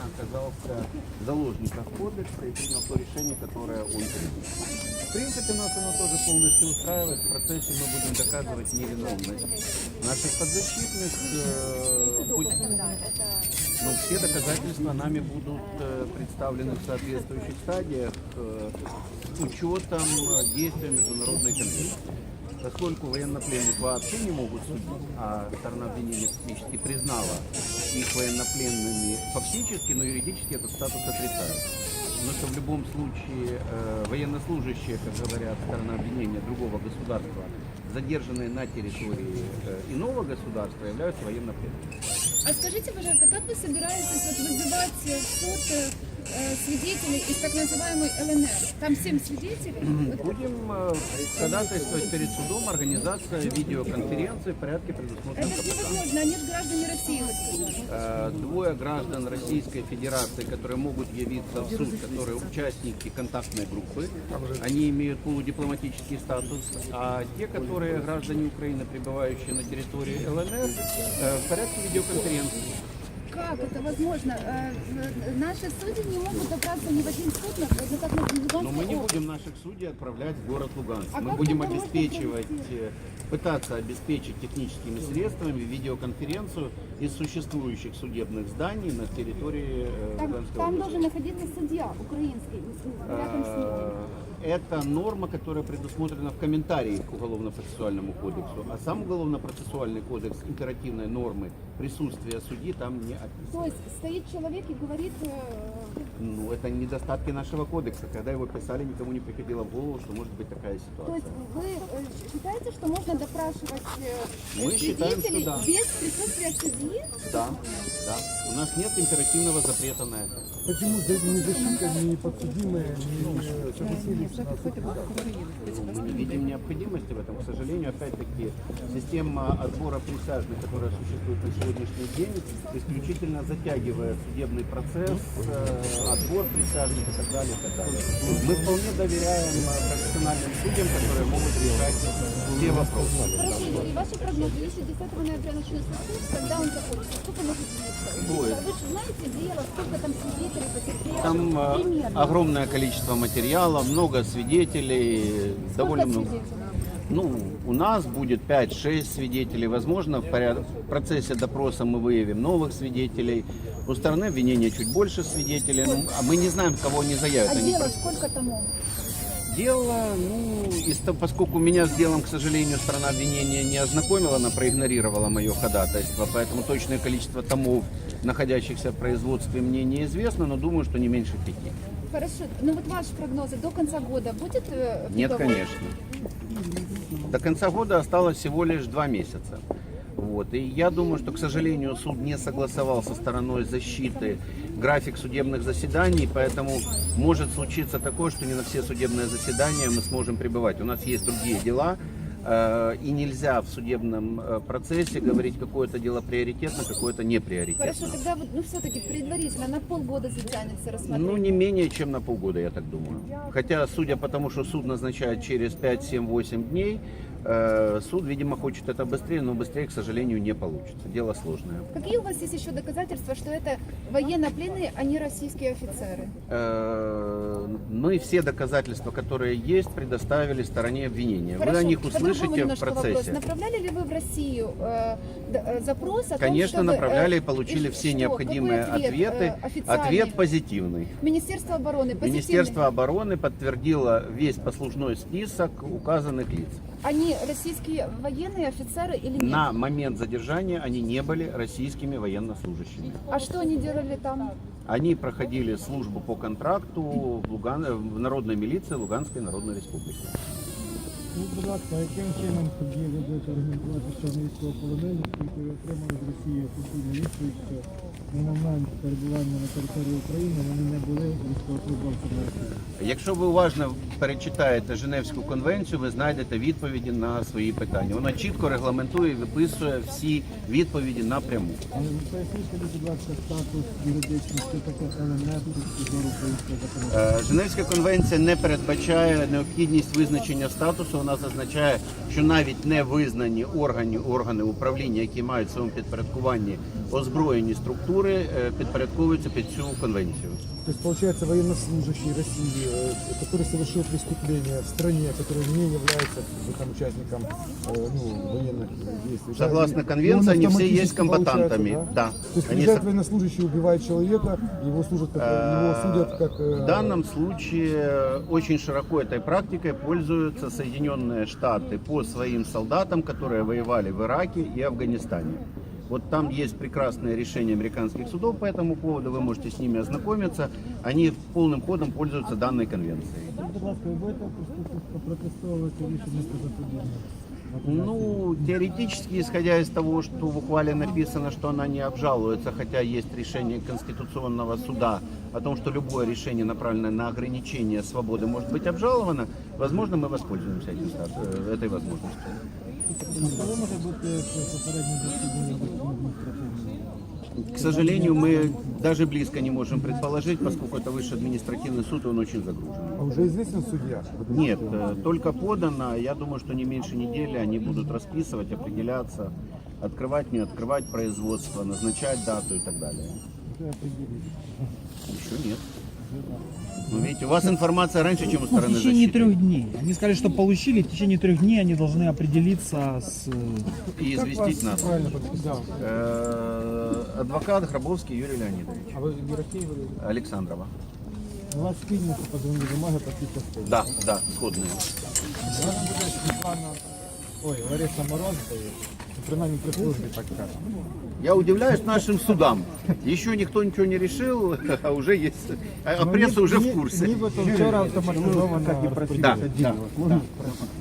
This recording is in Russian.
оказался заложником кодекса и принял то решение, которое он принял. В принципе, нас оно тоже полностью устраивает. В процессе мы будем доказывать невиновность наших подзащитных. Все доказательства нами будут представлены в соответствующих стадиях с учетом действия Международной конвенции. Поскольку военнопленных вообще не могут судить, а сторона обвинения фактически признала их военнопленными фактически, но юридически этот статус отрицает. Потому что в любом случае военнослужащие, как говорят, сторона обвинения другого государства, задержанные на территории иного государства, являются военнопленными. А скажите, пожалуйста, как вы собираетесь вызывать в суд свидетелей из так называемой ЛНР? Там 7 свидетелей? Будем ходатайствовать перед судом организация видеоконференции в порядке предусмотренном. Это невозможно, они же граждане России, вы сказали. Двое граждан Российской Федерации, которые могут явиться в суд, которые участники контактной группы, они имеют полудипломатический статус, а те, которые граждане Украины, пребывающие на территории ЛНР, в порядке видеоконференции. Как это возможно? Наши судьи не могут добраться ни в один суд, на Но мы не будем наших судей отправлять в город Луганск. А мы будем пытаться обеспечить техническими средствами видеоконференцию из существующих судебных зданий на территории Луганской Там области. должен находиться судья украинский, рядом с ним. Это норма, которая предусмотрена в комментарии к Уголовно-процессуальному кодексу, а сам Уголовно-процессуальный кодекс императивной нормы присутствия судьи там не описан. То есть стоит человек и говорит... Ну, это недостатки нашего кодекса. Когда его писали, никому не приходило в голову, что может быть такая ситуация. То есть вы считаете, что можно допрашивать Мы считаем, свидетелей что да. без присутствия судьи? Да, да. У нас нет императивного запрета на это. Почему ни защита, ни подсудимые не согласились на суд? Мы не видим необходимости в этом. К сожалению, опять-таки, система отбора присяжных, которая существует на сегодняшний день, исключительно затягивает судебный процесс, отбор присяжных и так далее, и так далее. Мы вполне доверяем профессиональным судьям, которые могут решать все вопросы. Хорошо, и ваши прогнозы, если 10 ноября начнется суд, когда он закончится? Сколько может длиться? Ой. Вы же знаете дело, сколько там свидетелей, потерпевших? Там Примерно. огромное количество материала, много свидетелей, довольно много. Свидетелей? Ну, у нас будет 5-6 свидетелей. Возможно, в процессе допроса мы выявим новых свидетелей. У стороны обвинения чуть больше свидетелей. Ну, а мы не знаем, кого они заявят. А Они дело сколько тому? Дело, поскольку меня с делом, к сожалению, сторона обвинения не ознакомила, она проигнорировала мое ходатайство, поэтому точное количество томов, находящихся в производстве, мне неизвестно, но думаю, что не меньше 5. Хорошо, ну вот ваши прогнозы до конца года будет? Нет, приговор? конечно. До конца года осталось всего лишь 2 месяца. Вот. И я думаю, что, к сожалению, суд не согласовал со стороной защиты график судебных заседаний, поэтому может случиться такое, что не на все судебные заседания мы сможем пребывать. У нас есть другие дела, и нельзя в судебном процессе говорить, какое-то дело приоритетно, какое-то не приоритетно. Хорошо, тогда вот, все-таки предварительно на полгода затянется рассмотрение. Ну, не менее чем на полгода, я так думаю. Хотя, судя по тому, что суд назначает через 5, 7, 8 дней, суд, видимо, хочет это быстрее, но быстрее, к сожалению, не получится. Дело сложное. Какие у вас есть еще доказательства, что это военнопленные, а не российские офицеры? Мы все доказательства, которые есть, предоставили стороне обвинения. Хорошо, Вы о них по-другому услышите в немножко вопрос. процессе. Направляли ли вы в Россию запрос о том, Конечно, чтобы, направляли и получили и все что? необходимые Какой ответы. официальный? Ответ позитивный. Министерство обороны позитивный? Министерство обороны подтвердило весь послужной список указанных лиц. Они российские военные офицеры или нет? На момент задержания они не были российскими военнослужащими. А что они делали там? Они проходили службу по контракту в народной милиции Луганской Народной Республики. Будь ласка, яким чином тоді ви будете аргументувати, що вони військовополонені, які ви отримали з Росії офіційну відповідь, що на момент перебування на території України вони не були військовослужбовцями Росії? Якщо ви уважно перечитаєте Женевську конвенцію, ви знайдете відповіді на свої питання. Вона чітко регламентує і виписує всі відповіді напряму. Але поясніть, будь ласка, статус юридичний, що таке ЛНР з зору українського законодавства. Женевська конвенція не передбачає необхідність визначення статусу, вона нас означає, що навіть не визнані органи управління, які мають в своєму підпорядкуванні озброєні структури, підпорядковуються під цю конвенцію. То есть, получается, военнослужащий России, который совершил преступление в стране, который не является там, участником военных действий. Согласно да, конвенции, он они все автоматически есть комбатантами. получается, Да. То есть Они приезжает военнослужащий, убивает человека, его судят как... В данном случае очень широко этой практикой пользуются Соединенные Штаты по своим солдатам, которые воевали в Ираке и Афганистане. Вот там есть прекрасное решение американских судов по этому поводу, вы можете с ними ознакомиться. Они полным ходом пользуются данной конвенцией. Будь ласка, ви будете протестовувати рішення про запобігання? Ну, теоретически, исходя из того, что в ухвале написано, что она не обжалуется, хотя есть решение Конституционного суда о том, что любое решение, направленное на ограничение свободы, может быть обжаловано, возможно, мы воспользуемся этой возможностью. Коли може бути попереднє засідання адміністративного? К сожалению, мы даже близко не можем предположить, поскольку это высший административный суд, и он очень загружен. А уже известен судья? Нет, только подано. Я думаю, что не меньше недели они будут расписывать, определяться, открывать, не открывать производство, назначать дату и так далее. Уже определили. Еще нет. Ну, видите, у вас информация раньше, чем у В стороны течение защиты. 3 дней. Они сказали, что получили, в течение 3 дней они должны определиться с... И известить нас. Правильно, да. Адвокат Гробовский Юрий Леонидович. А вы Ерофеева? Александрова. У вас спільно позвонили бумаги по цій частині? Да, да, сходные. Зараз буде Світлана, Лариса Мороз, принаймні при службі так кажуть. Я удивляюсь нашим судам. Еще никто ничего не решил, а уже есть. А пресса уже в курсе. Нібито вчора автоматизовано Да, да, да.